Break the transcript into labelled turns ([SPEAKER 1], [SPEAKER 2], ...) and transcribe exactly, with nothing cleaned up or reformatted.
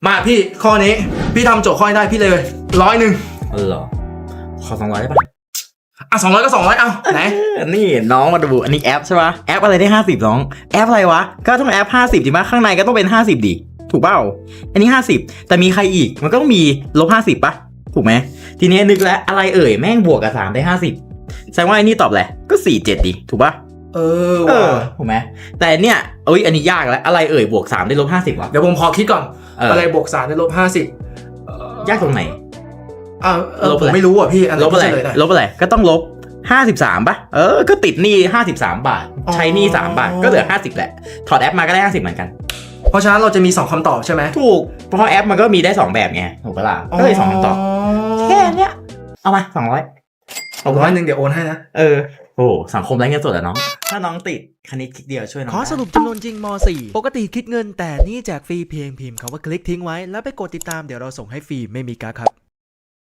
[SPEAKER 1] มาพี่ข้อนี้พี่ทำโจทย์ข้อนี้ได้พี่เลยร้อยหนึ่ง
[SPEAKER 2] เออเหรอขอสองร้อยได้ปะ
[SPEAKER 1] อ่ะสองร้อยก็สองร้อยเอาไหน
[SPEAKER 2] นี่น้องมาดูอันนี้แอปใช่ปะแอปอะไรได้ห้าสิบน้องแอปอะไรวะก็ต้องแอปห้าสิบจริงปะข้างในก็ต้องเป็นห้าสิบดิถูกเปล่าอันนี้ห้าสิบแต่มีใครอีกมันก็ต้องมีลบห้าสิบปะถูกไหมทีนี้นึกแล้วอะไรเอ่ยแม่งบวกกับสามได้ห้าสิบแสดงว่าไอ้นี่ตอบแหละก็สี่เจ็ดดิถูกปะ
[SPEAKER 1] เออ
[SPEAKER 2] เออ
[SPEAKER 1] ว่ะ
[SPEAKER 2] ถูกไหมแต่เนี่ยเอ้ยอันนี้ยากแล้วอะไรเอ่ยบวกสามได้ลบห้าสิบวะ
[SPEAKER 1] เดี๋ยวผมขอคิดก่อนอะไรบวกสามได้ลบห้าสิบ
[SPEAKER 2] ยากตรงไหน
[SPEAKER 1] อ่าผมไม่รู้อ่ะพี่
[SPEAKER 2] ลบอะไรลบอะไรก็ต้องลบห้าสิบสามป่ะเออก็ติดหนี้ห้าสิบสามบาทใช้หนี้สามบาทก็เหลือห้าสิบแหละถอดแอปมาก็ได้ห้าสิบเหมือนกัน
[SPEAKER 1] เพราะฉะนั้นเราจะมีสองคำตอบใช่ไหม
[SPEAKER 2] ถูกเพราะแอปมันก็มีได้สองแบบไงถูกปะล่ะก็เลยสองคำตอบแค่เนี้ยเอามาสองร้อย
[SPEAKER 1] เอาร้อยหนึ่งเดี๋ยวโอนให้นะ
[SPEAKER 2] เออโอ้สังคมไร้เงินสดอะน้องถ้าน้องติดคณิตคลิกเดียวช่วยน้อง
[SPEAKER 3] ขอสรุปจำนวนจริงม .สี่ ปกติคิดเงินแต่นี่แจกฟรีเพียงพิมพ์คำว่าคลิกทิ้งไว้แล้วไปกดติดตามเดี๋ยวเราส่งให้ฟรีไม่มีกั๊กครับ